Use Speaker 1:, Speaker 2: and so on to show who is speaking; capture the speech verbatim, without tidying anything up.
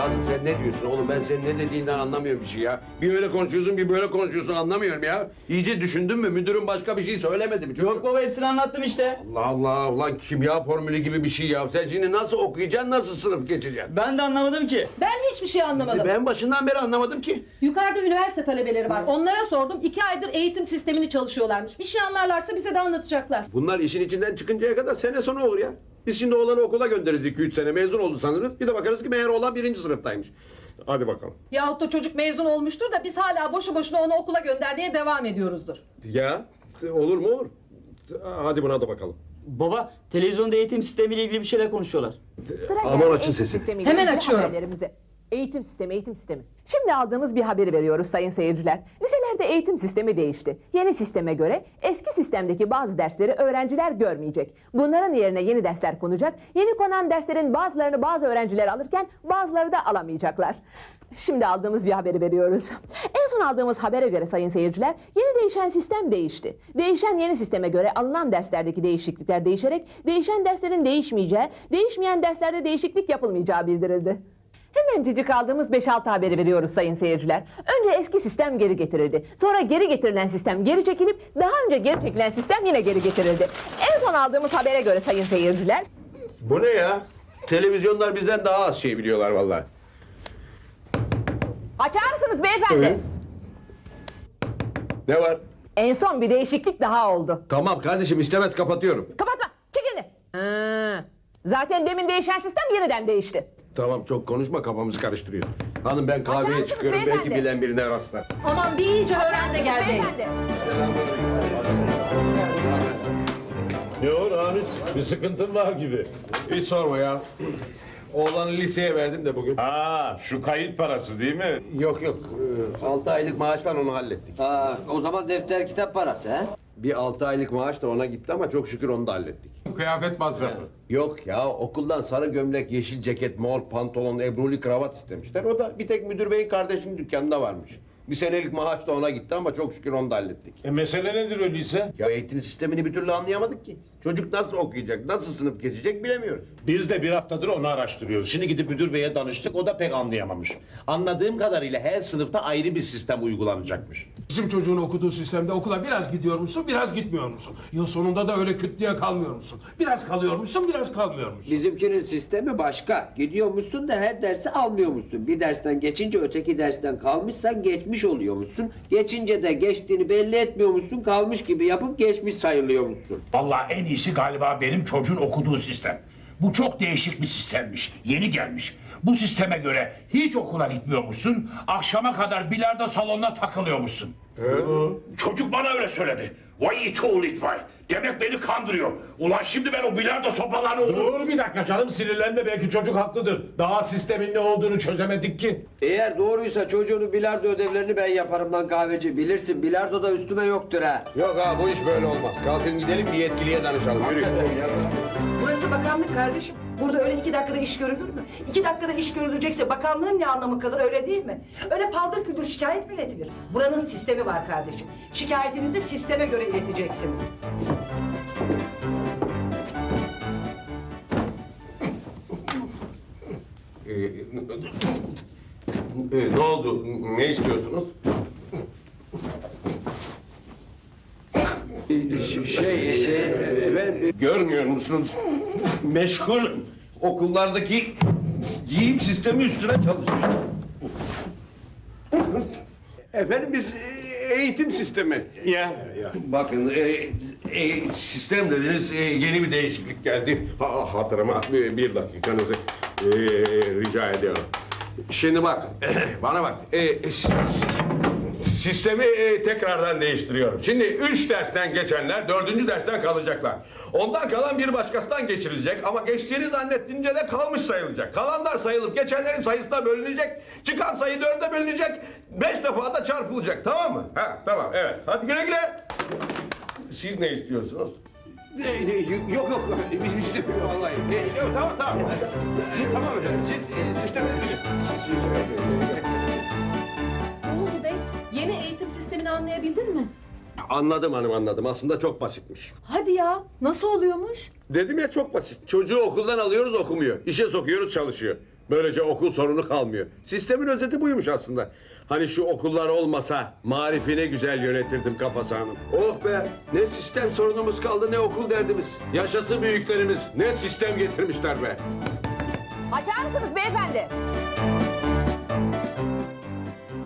Speaker 1: Kazım sen ne diyorsun oğlum? Ben senin ne dediğinden anlamıyorum bir şey ya. Bir öyle konuşuyorsun, bir böyle konuşuyorsun, anlamıyorum ya. İyice düşündün mü? Müdürüm başka bir şey söylemedi mi?
Speaker 2: Yok baba, hepsini anlattım işte.
Speaker 1: Allah Allah, ulan kimya formülü gibi bir şey ya. Sen şimdi nasıl okuyacaksın, nasıl sınıf geçeceksin?
Speaker 2: Ben de anlamadım ki.
Speaker 3: Ben hiçbir şey anlamadım.
Speaker 1: Ben başından beri anlamadım ki.
Speaker 3: Yukarıda üniversite talebeleri var. Onlara sordum. İki aydır eğitim sistemini çalışıyorlarmış. Bir şey anlarlarsa bize de anlatacaklar.
Speaker 1: Bunlar işin içinden çıkıncaya kadar sene sonu olur ya. Biz şimdi oğlanı okula göndeririz iki üç sene, mezun oldu sanırız. Bir de bakarız ki meğer oğlan birinci sınıftaymış. Hadi bakalım.
Speaker 3: Yahut da çocuk mezun olmuştur da biz hala boşu boşuna onu okula göndermeye devam ediyoruzdur.
Speaker 1: Ya olur mu olur. Hadi buna da bakalım.
Speaker 2: Baba, televizyonda eğitim sistemiyle ilgili bir şeyler konuşuyorlar.
Speaker 4: Sıra
Speaker 1: Aman
Speaker 4: geldi
Speaker 1: açın
Speaker 4: eğitim
Speaker 1: sesini.
Speaker 4: sistemiyle
Speaker 3: Hemen
Speaker 4: ilgili
Speaker 3: açıyorum.
Speaker 4: haberlerimize. Eğitim sistemi, eğitim sistemi. Şimdi aldığımız bir haberi veriyoruz sayın seyirciler. Liselerde eğitim sistemi değişti. Yeni sisteme göre eski sistemdeki bazı dersleri öğrenciler görmeyecek. Bunların yerine yeni dersler konacak. Yeni konan derslerin bazılarını bazı öğrenciler alırken bazıları da alamayacaklar. Şimdi aldığımız bir haberi veriyoruz. En son aldığımız habere göre sayın seyirciler, yeni değişen sistem değişti. Değişen yeni sisteme göre alınan derslerdeki değişiklikler değişerek değişen derslerin değişmeyeceği, değişmeyen derslerde değişiklik yapılmayacağı bildirildi. Hemencecik aldığımız beş altı haberi veriyoruz sayın seyirciler. Önce eski sistem geri getirildi. Sonra geri getirilen sistem geri çekilip daha önce geri çekilen sistem yine geri getirildi. En son aldığımız habere göre sayın seyirciler...
Speaker 1: Bu ne ya? Televizyonlar bizden daha az şey biliyorlar vallahi.
Speaker 4: Açar mısınız beyefendi?
Speaker 1: Evet. Ne var?
Speaker 4: En son bir değişiklik daha oldu.
Speaker 1: Tamam kardeşim, istemez kapatıyorum.
Speaker 4: Kapatma, çek elini. Ha, zaten demin değişen sistem yeniden değişti.
Speaker 1: Tamam çok konuşma, kafamızı karıştırıyor. Hanım ben
Speaker 4: Açar
Speaker 1: kahveye
Speaker 4: mısınız
Speaker 1: çıkıyorum, belki
Speaker 4: beyefendi?
Speaker 1: bilen birine rastlar.
Speaker 3: Aman bir iyice öğren de gel bey.
Speaker 4: Beyefendi.
Speaker 5: Ne o Ramiz? Bir sıkıntın var gibi.
Speaker 1: Hiç sorma ya. Oğlanı liseye verdim de bugün.
Speaker 5: Aa, şu kayıt parası değil mi?
Speaker 1: Yok yok, ee, altı aylık maaştan onu hallettik.
Speaker 6: Aa, o zaman defter kitap parası he?
Speaker 1: Bir altı aylık maaş da ona gitti ama çok şükür onu da hallettik.
Speaker 5: Kıyafet masrafı.
Speaker 1: Yok ya, okuldan sarı gömlek, yeşil ceket, mor pantolon, ebruli kravat istemişler. O da bir tek müdür beyin kardeşinin dükkanında varmış. Bir senelik maaş da ona gitti ama çok şükür onu da hallettik.
Speaker 5: E mesele nedir öyleyse?
Speaker 1: Ya eğitim sistemini bir türlü anlayamadık ki. Çocuk nasıl okuyacak, nasıl sınıf geçecek bilemiyoruz.
Speaker 5: Biz de bir haftadır onu araştırıyoruz. Şimdi gidip müdür beye danıştık, o da pek anlayamamış. Anladığım kadarıyla her sınıfta ayrı bir sistem uygulanacakmış.
Speaker 7: Bizim çocuğun okuduğu sistemde okula biraz gidiyor musun, biraz gitmiyor musun? Yıl sonunda da öyle küt diye kalmıyor musun? Biraz kalıyor musun, biraz kalmıyor musun?
Speaker 6: Bizimkinin sistemi başka. Gidiyormuşsun da her dersi almıyormuşsun. Bir dersten geçince öteki dersten kalmışsan geçmiş oluyormuşsun. Geçince de geçtiğini belli etmiyormuşsun. Kalmış gibi yapıp geçmiş sayılıyormuşsun.
Speaker 8: Vallahi en iyisi galiba benim çocuğun okuduğu sistem. Bu çok değişik bir sistemmiş. Yeni gelmiş. Bu sisteme göre hiç okula gitmiyormuşsun. Akşama kadar bilardo salonuna takılıyormuşsun. Çocuk bana öyle söyledi. Vay it oğul it vay. Demek beni kandırıyor. Ulan şimdi ben o bilardo sopalarını...
Speaker 5: Dur bir dakika canım, sinirlenme, belki çocuk haklıdır. Daha sistemin ne olduğunu çözemedik ki.
Speaker 6: Eğer doğruysa çocuğunun bilardo ödevlerini ben yaparım lan kahveci. Bilirsin bilardo da üstüme yoktur ha.
Speaker 1: Yok ha, bu iş böyle olmaz. Kalkın gidelim bir yetkiliye danışalım. Yürü.
Speaker 9: Burası bakanlık kardeşim. Burada öyle iki dakikada iş görülür mü? İki dakikada iş görülecekse bakanlığın ne anlamı kalır, öyle değil mi? Öyle paldır küldür şikayet mi iletilir? Buranın sistemi var kardeşim. Şikayetinizi sisteme göre ileteceksiniz.
Speaker 1: Ee, e, ne oldu? Ne istiyorsunuz? Ee, şey, şey, ben görmüyor musunuz? Meşgulüm. Okullardaki giyim sistemi üstüne çalışıyorum. Efendim biz e, eğitim sistemi.
Speaker 5: Ya, ya.
Speaker 1: Bakın e, e, sistem dediniz, e, yeni bir değişiklik geldi. Ha, hatırıma bir, bir dakikanızı e, rica ediyorum. Şimdi bak, bana bak. E, s- sistemi e, tekrardan değiştiriyorum. Şimdi üç dersten geçenler dördüncü dersten kalacaklar. Ondan kalan bir başkasından geçirilecek ama geçtiğini zannettiğince de kalmış sayılacak. Kalanlar sayılıp geçenlerin sayısına bölünecek. Çıkan sayı dörde bölünecek. Beş defa da çarpılacak, tamam mı? Ha, tamam, evet. Hadi güle güle. Siz ne istiyorsunuz? E, e, Yok yok, biz bir şey demiyoruz vallahi. E, yok, tamam tamam. Tamam efendim, siz e, sistemi...
Speaker 3: Ne oldu bey? Yeni eğitim sistemini anlayabildin mi?
Speaker 1: Anladım hanım, anladım. Aslında çok basitmiş.
Speaker 3: Hadi ya, nasıl oluyormuş?
Speaker 1: Dedim ya, çok basit. Çocuğu okuldan alıyoruz, okumuyor. İşe sokuyoruz, çalışıyor. Böylece okul sorunu kalmıyor. Sistemin özeti buymuş aslında. Hani şu okullar olmasa marifi ne güzel yönetirdim kafası hanım. Oh be, ne sistem sorunumuz kaldı ne okul derdimiz. Yaşasın büyüklerimiz, ne sistem getirmişler be.
Speaker 4: Açar mısınız beyefendi?